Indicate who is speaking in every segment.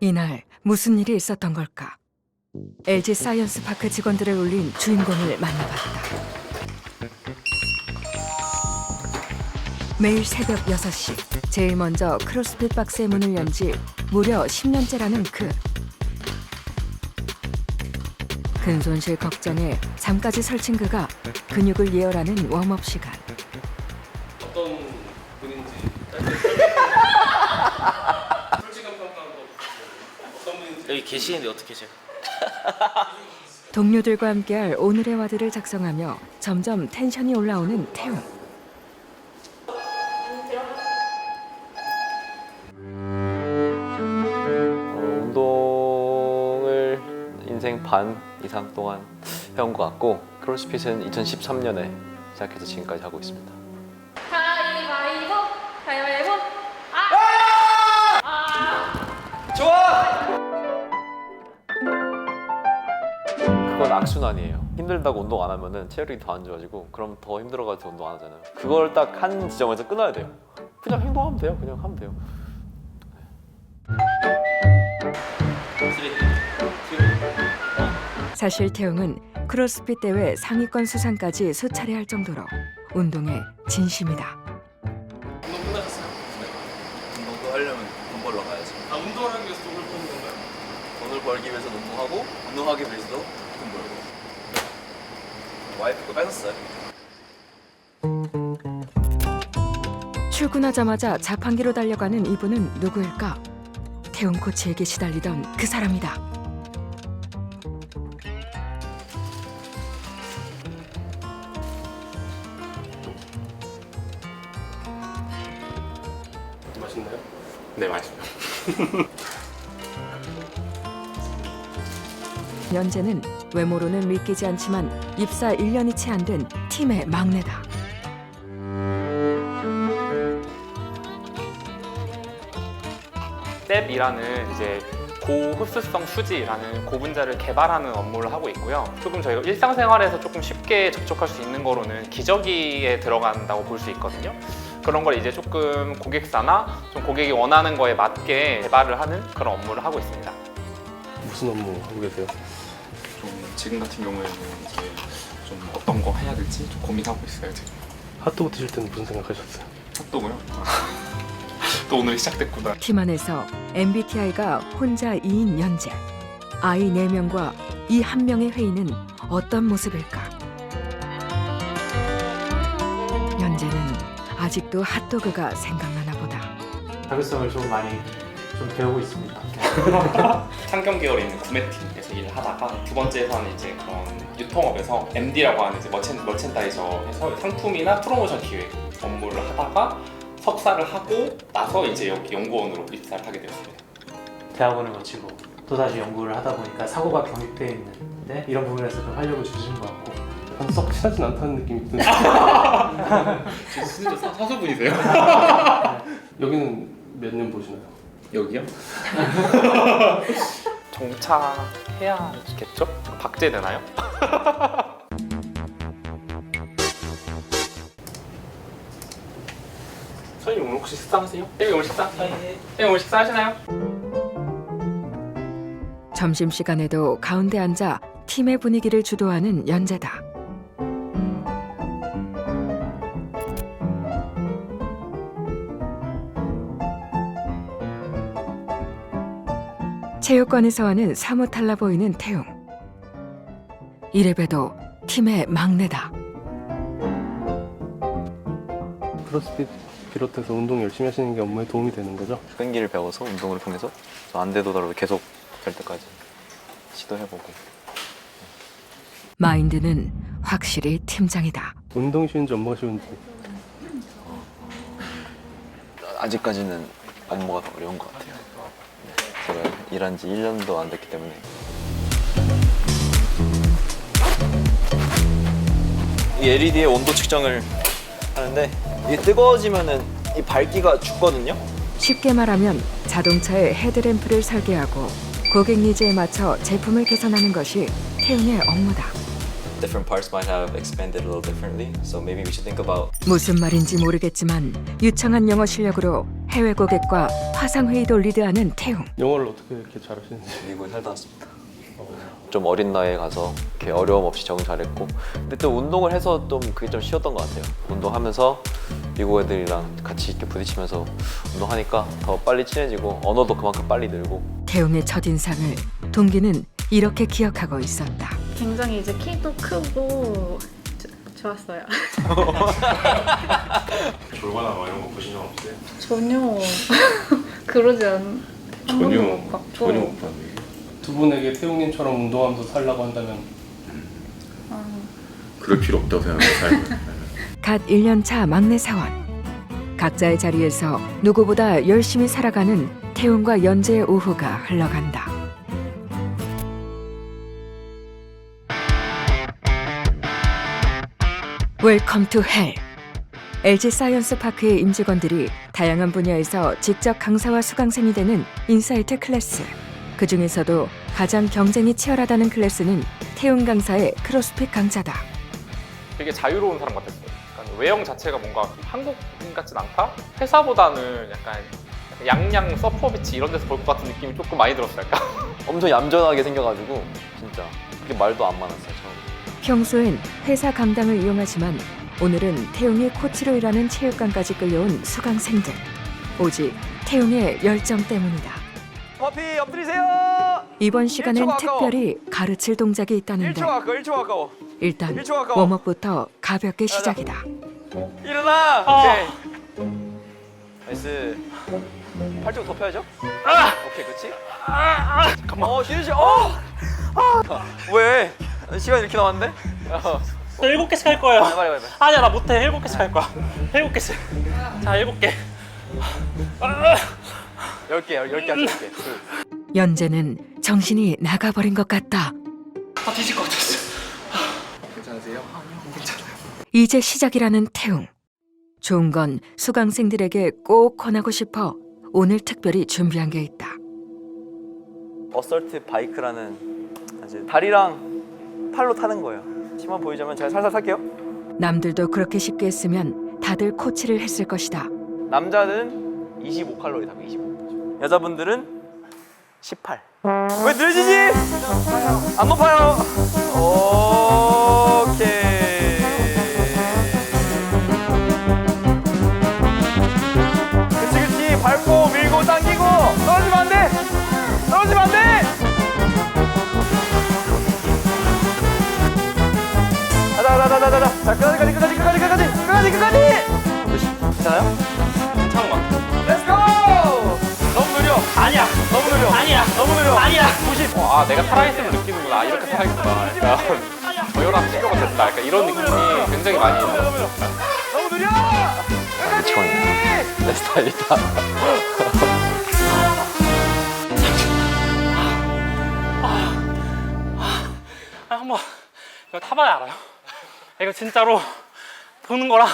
Speaker 1: 이날 무슨 일이 있었던 걸까? LG 사이언스 파크 직원들을 울린 주인공을 만나봤다. 매일 새벽 6시 제일 먼저 크로스핏 박스의 문을 연 지 무려 10년째라는 그. 근손실 걱정에 잠까지 설친 그가 근육을 예열하는 웜업 시간.
Speaker 2: 어떤 분인지 솔직한 평가한 거 어떤 분인지
Speaker 3: 여기 계시는데 어떻게 제가?
Speaker 1: 동료들과 함께할 오늘의 와드를 작성하며 점점 텐션이 올라오는 태웅.
Speaker 4: 운동을 인생 반 이상 동안 해온 것 같고 크로스핏은 2013년에 시작해서 지금까지 하고 있습니다.
Speaker 5: 가위바위보! 가위바위보!
Speaker 4: 그건 악순환이에요. 힘들다고 운동 안 하면은 체력이 더 안 좋아지고 그럼 더 힘들어가지고 운동 안 하잖아요. 그걸 딱 한 지점에서 끊어야 돼요. 그냥 행동하면 돼요. 그냥 하면 돼요.
Speaker 1: 사실 태웅은 크로스핏 대회 상위권 수상까지 수차례 할 정도로 운동에 진심이다.
Speaker 2: 운동 끝나셨어요?
Speaker 6: 운동도 하려면 돈 벌러 가야지.
Speaker 2: 아 운동을 하기 위해서 돈을 버는 건가요?
Speaker 6: 돈을 벌기 위해서 운동하고 운동하기 위해서도 돈 벌고. 와이프 거 뺏었어요.
Speaker 1: 출근하자마자 자판기로 달려가는 이분은 누구일까? 태웅 코치에게 시달리던 그 사람이다.
Speaker 2: 맛있나요?
Speaker 3: 네, 맛있어요.
Speaker 1: 연재는 외모로는 믿기지 않지만 입사 1년이 채 안 된 팀의 막내다.
Speaker 7: 셉이라는 이제 고흡수성 수지라는 고분자를 개발하는 업무를 하고 있고요. 조금 저희가 일상생활에서 조금 쉽게 접촉할 수 있는 거로는 기저귀에 들어간다고 볼 수 있거든요. 그런 걸 이제 조금 고객사나 좀 고객이 원하는 거에 맞게 개발을 하는 그런 업무를 하고 있습니다.
Speaker 2: 무슨 업무 하고 계세요?
Speaker 8: 좀 지금 같은 경우에는 이제 좀 어떤 거 해야 될지 좀 고민하고 있어요 지금.
Speaker 2: 핫도그 드실 때는 무슨 생각하셨어요?
Speaker 8: 핫도그요? 또 오늘 시작됐구나.
Speaker 1: 팀 안에서 MBTI가 혼자 2인 연재. 아이 4명과 이 한 명의 회의는 어떤 모습일까? 연재는 아직도 핫도그가 생각나나 보다.
Speaker 9: 자율성을 좀 많이 좀 배우고 있습니다.
Speaker 7: 상경 계열에 있는 구매팀에서 일을 하다가 두 번째에서는 이제 그런 유통업에서 MD라고 하는 이제 머첸다이저에서 상품이나 프로모션 기획 업무를 하다가 석사를 하고 나서 이제 여기 연구원으로 입사를 하게 되었습니다.
Speaker 9: 대학원을 거치고 또다시 연구를 하다 보니까 사고가 경직되어 있는데 이런 부분에서 좀 활력을 주신 것 같고
Speaker 2: 썩 친하진 않다는 느낌이 드는데
Speaker 8: 진짜 사수분이세요?
Speaker 2: 여기는 몇 년 보시나요?
Speaker 8: 여기요?
Speaker 7: 정차해야겠죠? 박제되나요? 선생님 오늘 혹시 식사하세요? 선생님 오늘 식사? 선생님 오늘 식사하시나요?
Speaker 1: 점심시간에도 가운데 앉아 팀의 분위기를 주도하는 연재다. 체육관에서 는 사뭇 달라 보이는 태웅. 이래봬도 팀의 막내다.
Speaker 2: 크로스핏 비롯해서 운동 열심히 하시는 게 업무에 도움이 되는 거죠?
Speaker 4: 끈기를 배워서 운동을 통해서 안 되더라도 계속 될 때까지 시도해보고.
Speaker 1: 마인드는 확실히 팀장이다.
Speaker 2: 운동이 쉬운지 업무가 쉬운지
Speaker 4: 아직까지는 업무가 더 어려운 것 같아요. 제가 일한 지 1년도 안 됐기 때문에. 이 LED의 온도 측정을 하는데 이게 뜨거워지면은 이 밝기가 죽거든요.
Speaker 1: 쉽게 말하면 자동차의 헤드램프를 설계하고 고객 니즈에 맞춰 제품을 개선하는 것이 태웅의 업무다.
Speaker 6: different parts might have expanded a little differently. So maybe we should think about
Speaker 1: 무슨 말인지 모르겠지만 유창한 영어 실력으로 해외 고객과 화상회의도 리드하는 태웅.
Speaker 2: 영어를 어떻게 이렇게 잘하시는지.
Speaker 6: 미국에 살다 왔습니다.
Speaker 4: 좀 어린 나이에 가서 이렇게 어려움 없이 적응 잘했고, 근데 또 운동을 해서 좀 그게 좀 쉬웠던 것 같아요. 운동하면서 미국 애들이랑 같이 이렇게 부딪히면서 운동하니까 더 빨리 친해지고 언어도 그만큼 빨리 늘고.
Speaker 1: 태웅의 첫인상을 동기는 이렇게 기억하고 있었다.
Speaker 5: 굉장히 이제 키도 크고 좋았어요.
Speaker 3: 졸거나 뭐 이런 거 보신 적 없어요?
Speaker 5: 전혀 그러지 않. 한 번도 못 봤고.
Speaker 3: 못 봤는데.
Speaker 2: 두 분에게 태웅님처럼 운동하면서 살라고 한다면
Speaker 3: 그럴 필요 없다고 생각해요. 삶은.
Speaker 1: 갓 1년 차 막내 사원. 각자의 자리에서 누구보다 열심히 살아가는 태웅과 연재의 오후가 흘러간다. 웰컴 투 헬. LG 사이언스 파크의 임직원들이 다양한 분야에서 직접 강사와 수강생이 되는 인사이트 클래스. 그 중에서도 가장 경쟁이 치열하다는 클래스는 태웅 강사의 크로스핏 강좌다.
Speaker 7: 되게 자유로운 사람 같았어요. 약간 외형 자체가 뭔가 한국인 같진 않다? 회사보다는 약간 양양 서퍼비치 이런 데서 볼 것 같은 느낌이 조금 많이 들었어요. 약간.
Speaker 4: 엄청 얌전하게 생겨가지고 진짜 그렇게 말도 안 많았어요 처음에.
Speaker 1: 평소엔 회사 강당을 이용하지만 오늘은 태웅이 코치로 일하는 체육관까지 끌려온 수강생들. 오직 태웅의 열정 때문이다.
Speaker 6: 퍼피 엎드리세요.
Speaker 1: 이번 시간엔
Speaker 6: 1초 아까워.
Speaker 1: 특별히 가르칠 동작이 있다는데
Speaker 6: 1초 아까워.
Speaker 1: 일단
Speaker 6: 1초 아까워.
Speaker 1: 웜업부터 가볍게 시작이다.
Speaker 6: 일어나. 오케이. 나이스. 팔 좀 더 펴야죠. 오케이, 그렇지. 잠깐만. 쉬는 시간. 왜? 시간 이렇게 남았는데?
Speaker 9: 저 7개씩 할 거예요.
Speaker 6: 빨리.
Speaker 9: 아니야, 나 못해. 7개씩 할 거야. 7개씩. 자, 7개.
Speaker 6: 10개 할게.
Speaker 1: 연재는 정신이 나가버린 것 같다.
Speaker 9: 다 뒤질 것 같았어.
Speaker 1: 이제 시작이라는 태웅. 좋은 건 수강생들에게 꼭 권하고 싶어 오늘 특별히 준비한 게 있다.
Speaker 6: 어설트 바이크라는 이제 다리랑 팔로 타는 거예요. 힘만 보이자면 제가 살살 탈게요.
Speaker 1: 남들도 그렇게 쉽게 했으면 다들 코치를 했을 것이다.
Speaker 6: 남자는 25칼로리 타고 25. 여자분들은 18. 왜 늘지지? 안 높아요. 오케이. 그치. 밟고 밀고 당기고 떨어지면 안 돼. 가자. 자, 끝까지. 괜찮아요?
Speaker 7: 괜찮은 것 같아요.
Speaker 6: Let's go! 너무 느려.
Speaker 9: 아니야.
Speaker 6: 너무 느려.
Speaker 9: 아니야.
Speaker 7: 90. 아, 내가 살아있음을 느끼는구나. 아, 이렇게 살아있구나. 약간 저혈압 치료가 됐다. 약간 이런 느낌이 굉장히 많이 들었어요.
Speaker 6: 너무 느려.
Speaker 4: 미치겠네. 내 스타일이다.
Speaker 9: 한번 이거 타봐야 알아요. 이거 진짜로 보는 거랑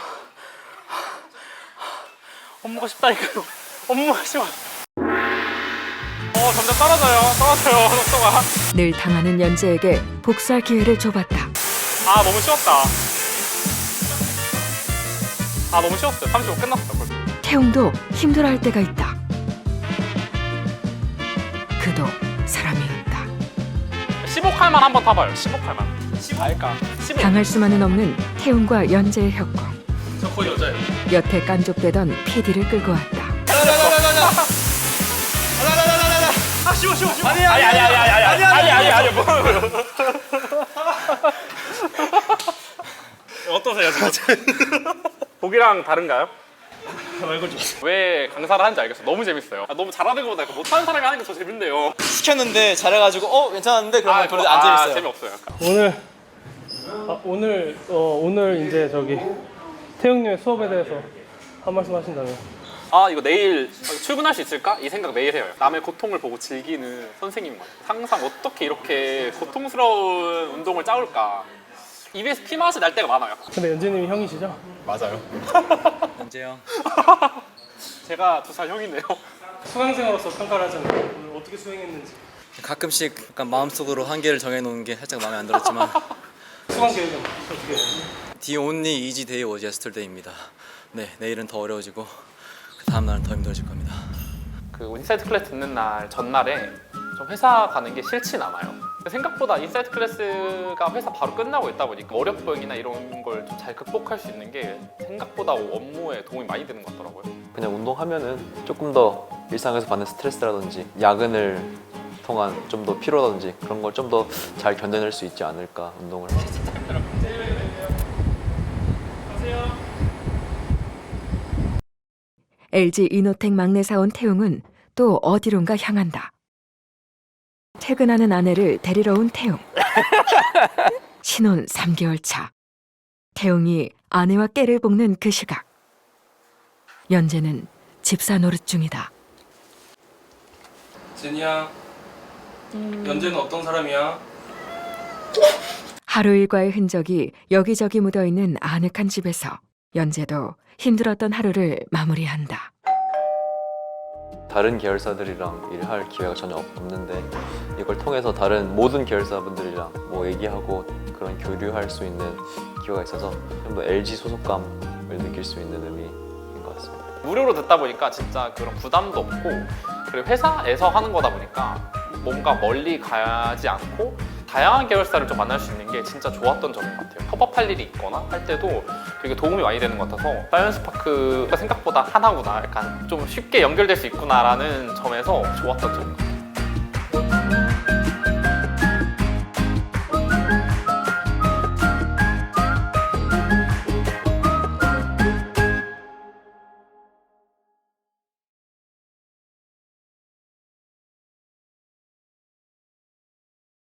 Speaker 9: 업무가 쉽다니까요. 업무가 쉬워. 점점 떨어져요. 속도가.
Speaker 1: 늘 당하는 연재에게 복수할 기회를 줘봤다.
Speaker 9: 아, 너무 쉬웠다. 아, 너무 쉬웠어요. 35 끝났어 벌써.
Speaker 1: 태웅도 힘들어할 때가 있다. 그도 사람이었다.
Speaker 9: 15칼만 한번 타봐요. 15칼만. 15. 알까? 15.
Speaker 1: 당할 수만은 없는 태웅과 연재의 협공.
Speaker 9: 저 거의 여자예요.
Speaker 1: 여태 깐족되던 PD를 끌고 왔다.
Speaker 9: 아, 쉬워.
Speaker 6: 아니야.
Speaker 9: 뭐. 어떠세요 지금? 보기랑 다른가요? 왜 강사를 하는지 알겠어. 너무 재밌어요. 너무 잘하는 것보다 못하는 사람이 하는 게 더 재밌네요.
Speaker 6: 시켰는데 잘해가지고 괜찮았는데 그러면 별로 안 재밌어요.
Speaker 7: 재미없어요. 약간.
Speaker 2: 오늘 이제 저기 태웅님의 수업에 대해서 한 말씀 하신다면.
Speaker 7: 이거 내일 출근할 수 있을까? 이 생각 매일 해요. 남의 고통을 보고 즐기는 선생님 같아요. 항상 어떻게 이렇게 고통스러운 운동을 짜올까? 입에서 피맛이 날 때가 많아요.
Speaker 2: 근데 연재님이 형이시죠?
Speaker 3: 맞아요.
Speaker 6: 언제 형?
Speaker 7: 제가 2살 형이네요.
Speaker 2: 수강생으로서 평가를 하자면 오늘 어떻게 수행했는지.
Speaker 6: 가끔씩 약간 마음속으로 한계를 정해놓는 게 살짝 마음에 안 들었지만
Speaker 2: 수강 계획은 어떻게 해요?
Speaker 6: The only easy day was yesterday입니다. 네, 내일은 더 어려워지고 그 다음 날은 더 힘들어질 겁니다.
Speaker 7: 그 인사이트 클래스 듣는 날 전날에 좀 회사 가는 게 싫진 않아요. 생각보다 인사이트 클래스가 회사 바로 끝나고 있다 보니까 어렵거나 이런 걸 좀 잘 극복할 수 있는 게 생각보다 업무에 도움이 많이 되는 것 같더라고요.
Speaker 4: 그냥 운동하면은 조금 더 일상에서 받는 스트레스라든지 야근을 통한 좀 더 피로라든지 그런 걸 좀 더 잘 견뎌낼 수 있지 않을까 운동을.
Speaker 1: LG 이노텍 막내 사원 태웅은 또 어디론가 향한다. 퇴근하는 아내를 데리러 온 태웅. 신혼 3개월 차. 태웅이 아내와 깨를 볶는 그 시각. 연재는 집사 노릇 중이다.
Speaker 2: 제니야, 연재는 어떤 사람이야?
Speaker 1: 하루 일과의 흔적이 여기저기 묻어있는 아늑한 집에서 연재도 힘들었던 하루를 마무리한다.
Speaker 4: 다른 계열사들이랑 일할 기회가 전혀 없는데 이걸 통해서 다른 모든 계열사분들이랑 뭐 얘기하고 그런 교류할 수 있는 기회가 있어서 좀 더 LG 소속감을 느낄 수 있는 의미인 것 같습니다.
Speaker 7: 무료로 듣다 보니까 진짜 그런 부담도 없고 그리고 회사에서 하는 거다 보니까 뭔가 멀리 가지 않고 다양한 계열사를 좀 만날 수 있는 게 진짜 좋았던 점인 것 같아요. 협업할 일이 있거나 할 때도 되게 도움이 많이 되는 것 같아서 사이언스파크가 생각보다 하나구나, 약간 좀 쉽게 연결될 수 있구나라는 점에서 좋았던 점인 것 같아요.